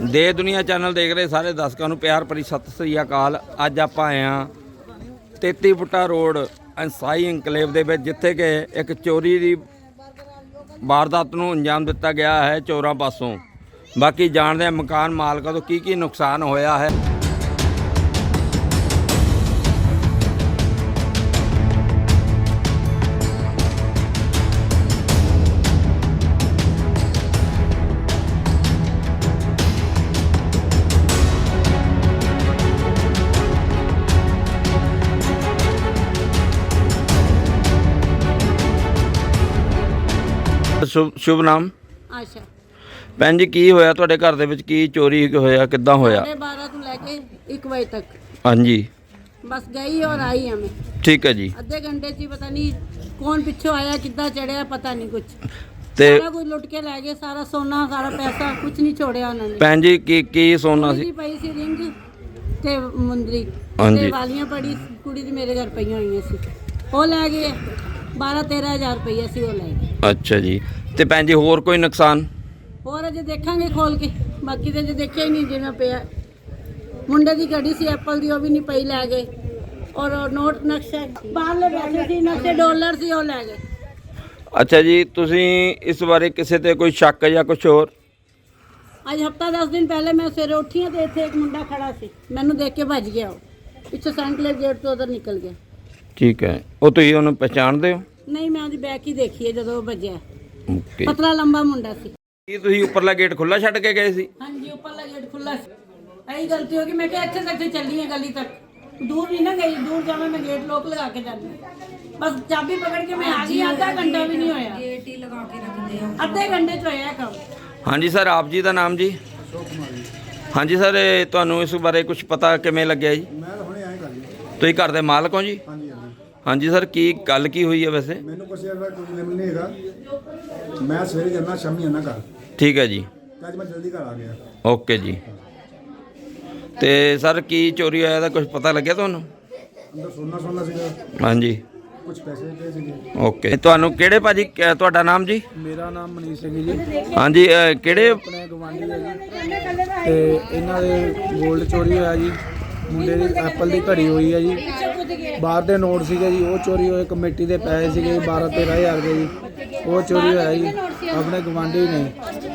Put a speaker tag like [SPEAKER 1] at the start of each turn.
[SPEAKER 1] ਦੇ ਦੁਨੀਆ ਚੈਨਲ ਦੇਖ ਰਹੇ ਸਾਰੇ ਦਰਸ਼ਕਾਂ ਨੂੰ ਪਿਆਰ ਭਰੀ ਸਤਿ ਸ੍ਰੀ ਅਕਾਲ। ਅੱਜ ਆਪਾਂ ਆਏ ਹਾਂ 33 ਫੁੱਟਾ ਰੋਡ ਅੰਸਾਈ ਇਨਕਲੇਵ ਦੇ ਵਿੱਚ, ਜਿੱਥੇ ਕਿ ਇੱਕ ਚੋਰੀ ਦੀ ਵਾਰਦਾਤ ਨੂੰ ਅੰਜਾਮ ਦਿੱਤਾ ਗਿਆ ਹੈ ਚੋਰਾਂ ਪਾਸੋਂ। ਬਾਕੀ ਜਾਣਦੇ ਹਾਂ ਮਕਾਨ ਮਾਲਕਾਂ ਤੋਂ ਕੀ ਨੁਕਸਾਨ ਹੋਇਆ ਹੈ। शुभ नाम
[SPEAKER 2] आशा
[SPEAKER 1] भैन जी, की होया तुहाडे घर दे विच, की चोरी होया, किद्दां होया?
[SPEAKER 2] 12:30 ਤੋਂ ਲੈ ਕੇ 1 ਵਜੇ तक
[SPEAKER 1] हाँ जी,
[SPEAKER 2] बस गई और आई हमें
[SPEAKER 1] ठीक है जी।
[SPEAKER 2] आधे घंटे से पता नहीं कौन पिछो आया, किद्दां चढ़िया, पता नहीं कुछ।
[SPEAKER 1] ते
[SPEAKER 2] सारा कुछ लुट के ले गए, सारा सोना, सारा पैसा, कुछ नहीं छोड़िया उन्होंने।
[SPEAKER 1] भैन जी की सोना सी?
[SPEAKER 2] पई सी रिंग ते मुंदरी
[SPEAKER 1] हाँ
[SPEAKER 2] ते
[SPEAKER 1] जी।
[SPEAKER 2] वालियां पड़ी कुड़ी दी मेरे घर पईयां होईयां सी, वो ले गए। 12-13 हज़ार रुपया सी वो ले गए।
[SPEAKER 1] अच्छा जी। ते भैन जी होर कोई नुकसान?
[SPEAKER 2] और अजे देखांगे खोल के, बाकी तो अजे देखिया ही नहीं जिवें पिया। मुंडे की घड़ी सी एप्पल की, वो भी नहीं पई, ले गए। और नोट नक्शे बाहरले पैसे सी, नक्शे डॉलर सी, वो ले गए।
[SPEAKER 1] अच्छा जी, तुसी इस बारे किसी ते कोई शक या कुछ होर?
[SPEAKER 2] अज हफ्ता 10 दिन पहले मैं सवेरे उठी हाँ तो इत्थे एक मुंडा खड़ा सी, मैनू देख के भज गया। वो पिछों सेंटले गेट तो उधर निकल गया।
[SPEAKER 1] ठीक है, वो तुसी उन्हें पहचानदे हो?
[SPEAKER 2] नहीं, मैं उसकी बैक ही देखी है जो भजया।
[SPEAKER 1] ओके।
[SPEAKER 2] पतला लंबा मुंडा सी।
[SPEAKER 1] की तुसी उपरला गेट खुला छड्ड के गए सी?
[SPEAKER 2] हाँ जी, ऊपरला गेट खुला सी। यही गलती होगी, मैं क्या इत्थे तक चली है गली तक, दूर नहीं ना गई। दूर जाना मैं गेट लॉक लगा के जानी, बस चाबी पकड़ के मैं आ गई। आधा घंटा भी नहीं होया, गेट ही लगा के रख दिया, आधे घंटे च होया काम।
[SPEAKER 1] हाँ जी सर, आप जी का नाम जी? हाँ जी सर, तुहानू इस बारे कुछ पता किवें लग्या जी?
[SPEAKER 3] मैं हुणे आए कर जी।
[SPEAKER 1] तुसीं घर दे मालक हो जी?
[SPEAKER 3] हाँ जी, हाँ जी।
[SPEAKER 1] हाँ जी सर, की गल की हुई है वैसे?
[SPEAKER 3] मैनू कुछ ऐसा कोई लिम नहीं हैगा। मैं सवेरे जाना, शामी आना घर।
[SPEAKER 1] ठीक है जी,
[SPEAKER 3] ते अज मैं जल्दी घर आ गया।
[SPEAKER 1] ओके जी। ते सर की चोरी होया, कुछ पता लग्या तुहानू?
[SPEAKER 3] अंदर सोना सीगा,
[SPEAKER 1] हाँ जी,
[SPEAKER 3] कुछ पैसे पे सीगे।
[SPEAKER 1] ओके। तुहानू किहड़े भाजी, तुहाडा नाम जी?
[SPEAKER 3] मेरा नाम मनीष सिंह जी,
[SPEAKER 1] हाँ जी, किहड़े?
[SPEAKER 3] अपने गवांढी है जी। ते इन्हां दे गोल्ड चोरी होया जी। मुंडे दी एप्पल दी घड़ी होई है जी। बाहर दे नोट सीगे जी, वो चोरी होए। कमेटी दे पैसे सीगे 12-13 हज़ार के जी, वो चोरी होया जी। अपने गवांढी ने